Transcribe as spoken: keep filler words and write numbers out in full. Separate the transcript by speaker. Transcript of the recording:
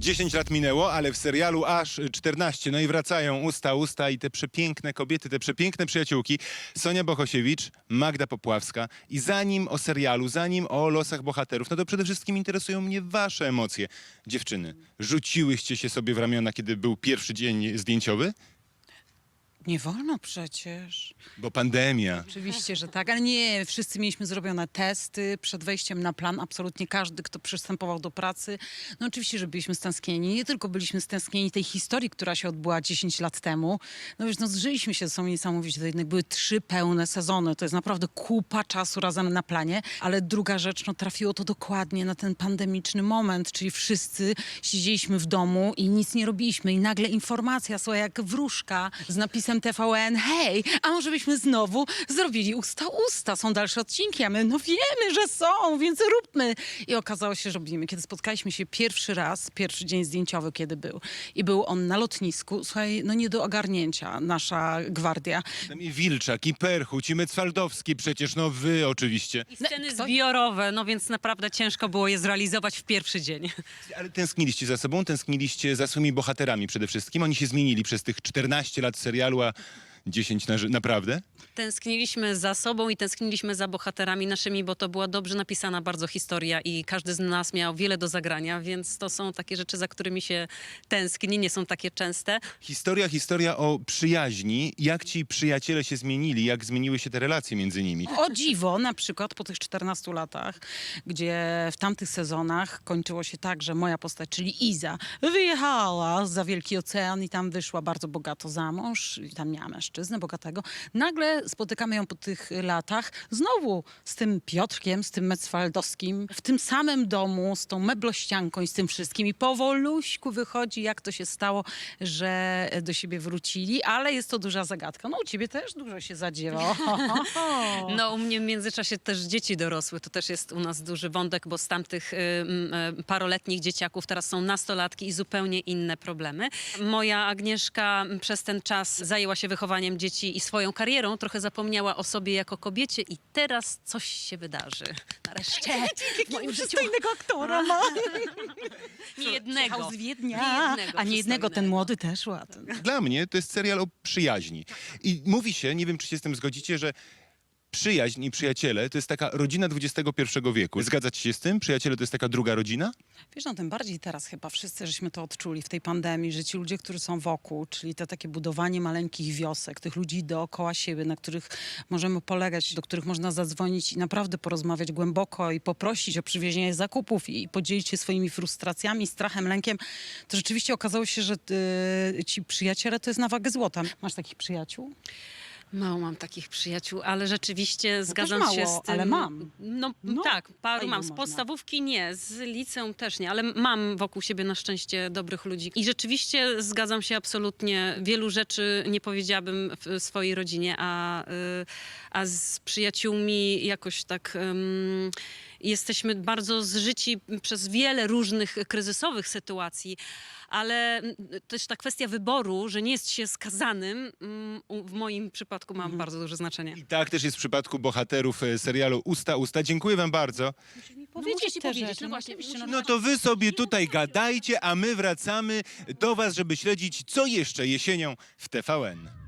Speaker 1: dziesięć lat minęło, ale w serialu aż czternaście. No i wracają usta, usta i te przepiękne kobiety, te przepiękne przyjaciółki. Sonia Bohosiewicz, Magda Popławska. I zanim o serialu, zanim o losach bohaterów, no to przede wszystkim interesują mnie wasze emocje. Dziewczyny, rzuciłyście się sobie w ramiona, kiedy był pierwszy dzień zdjęciowy?
Speaker 2: Nie wolno przecież.
Speaker 1: Bo pandemia.
Speaker 2: Oczywiście, że tak, ale nie, wszyscy mieliśmy zrobione testy przed wejściem na plan, absolutnie każdy, kto przystępował do pracy. No oczywiście, że byliśmy stęsknieni, nie tylko byliśmy stęsknieni tej historii, która się odbyła dziesięć lat temu. No wiesz, no zżyliśmy się ze sobą niesamowicie, to jednak były trzy pełne sezony, to jest naprawdę kupa czasu razem na planie, ale druga rzecz, no trafiło to dokładnie na ten pandemiczny moment, czyli wszyscy siedzieliśmy w domu i nic nie robiliśmy i nagle informacja, słuchaj, jak wróżka z napisem T V N, hej, a może byśmy znowu zrobili usta usta, są dalsze odcinki, a my no wiemy, że są, więc róbmy. I okazało się, że robimy. Kiedy spotkaliśmy się pierwszy raz, pierwszy dzień zdjęciowy, kiedy był, i był on na lotnisku, słuchaj, no nie do ogarnięcia, nasza gwardia.
Speaker 1: Tam i Wilczak, i Perchuć, i Mecwaldowski przecież, no wy oczywiście.
Speaker 3: I sceny
Speaker 2: kto-
Speaker 3: zbiorowe, no więc naprawdę ciężko było je zrealizować w pierwszy dzień.
Speaker 1: Ale tęskniliście za sobą, tęskniliście za swoimi bohaterami przede wszystkim. Oni się zmienili przez tych czternaście lat serialu, a dziesięć na, ży- naprawdę?
Speaker 3: Tęskniliśmy za sobą i tęskniliśmy za bohaterami naszymi, bo to była dobrze napisana bardzo historia i każdy z nas miał wiele do zagrania, więc to są takie rzeczy, za którymi się tęskni, nie są takie częste.
Speaker 1: Historia, historia o przyjaźni. Jak ci przyjaciele się zmienili, jak zmieniły się te relacje między nimi.
Speaker 2: O dziwo, na przykład po tych czternastu latach, gdzie w tamtych sezonach kończyło się tak, że moja postać, czyli Iza, wyjechała za Wielki Ocean i tam wyszła bardzo bogato za mąż i tam miała mężczyznę bogatego. Nagle spotykamy ją po tych latach znowu z tym Piotrkiem, z tym Mecwaldowskim, w tym samym domu, z tą meblościanką i z tym wszystkim. I powoluśku wychodzi, jak to się stało, że do siebie wrócili, ale jest to duża zagadka. No u ciebie też dużo się zadziewa.
Speaker 3: No u mnie w międzyczasie też dzieci dorosły, to też jest u nas duży wątek, bo z tamtych y, y, paroletnich dzieciaków teraz są nastolatki i zupełnie inne problemy. Moja Agnieszka przez ten czas zajęła się wychowaniem dzieci i swoją karierą, trochę zapomniała o sobie jako kobiecie i teraz coś się wydarzy. Nareszcie w moim życiu.
Speaker 2: aktora ma.
Speaker 3: Nie jednego.
Speaker 2: Jechał z Wiednia.
Speaker 3: Nie jednego
Speaker 2: A nie jednego, ten
Speaker 3: przystojnego.
Speaker 2: młody też ładny.
Speaker 1: Dla mnie to jest serial o przyjaźni. I mówi się, nie wiem czy się z tym zgodzicie, że przyjaźń i przyjaciele to jest taka rodzina dwudziestego pierwszego wieku. Zgadzacie się z tym? Przyjaciele to jest taka druga rodzina?
Speaker 2: Wiesz, no tym bardziej teraz chyba wszyscy żeśmy to odczuli w tej pandemii, że ci ludzie, którzy są wokół, czyli to takie budowanie maleńkich wiosek, tych ludzi dookoła siebie, na których możemy polegać, do których można zadzwonić i naprawdę porozmawiać głęboko i poprosić o przywiezienie zakupów i podzielić się swoimi frustracjami, strachem, lękiem, to rzeczywiście okazało się, że y, ci przyjaciele to jest na wagę złota. Masz takich przyjaciół?
Speaker 3: Mało mam takich przyjaciół, ale rzeczywiście zgadzam
Speaker 2: mało,
Speaker 3: się z tym.
Speaker 2: ale mam.
Speaker 3: No,
Speaker 2: No,
Speaker 3: tak,
Speaker 2: a
Speaker 3: paru
Speaker 2: ilu
Speaker 3: mam. Z
Speaker 2: można?
Speaker 3: podstawówki nie, z liceum też nie, ale mam wokół siebie na szczęście dobrych ludzi. I rzeczywiście zgadzam się absolutnie. Wielu rzeczy nie powiedziałabym w swojej rodzinie, a, y, a z przyjaciółmi jakoś tak... ym, Jesteśmy bardzo zżyci przez wiele różnych kryzysowych sytuacji, ale mm, też ta kwestia wyboru, że nie jest się skazanym, mm, u- w moim przypadku ma bardzo duże znaczenie.
Speaker 1: I tak też jest w przypadku bohaterów e, serialu Usta, Usta. Dziękuję wam bardzo.
Speaker 3: Powiedzieć,
Speaker 2: te
Speaker 3: powiedzieć,
Speaker 2: rzeczy,
Speaker 3: no
Speaker 2: no
Speaker 3: właśnie.
Speaker 2: oczywiście,
Speaker 3: musimy-
Speaker 1: No to wy sobie tutaj gadajcie, a my wracamy do was, żeby śledzić, co jeszcze jesienią w T V N.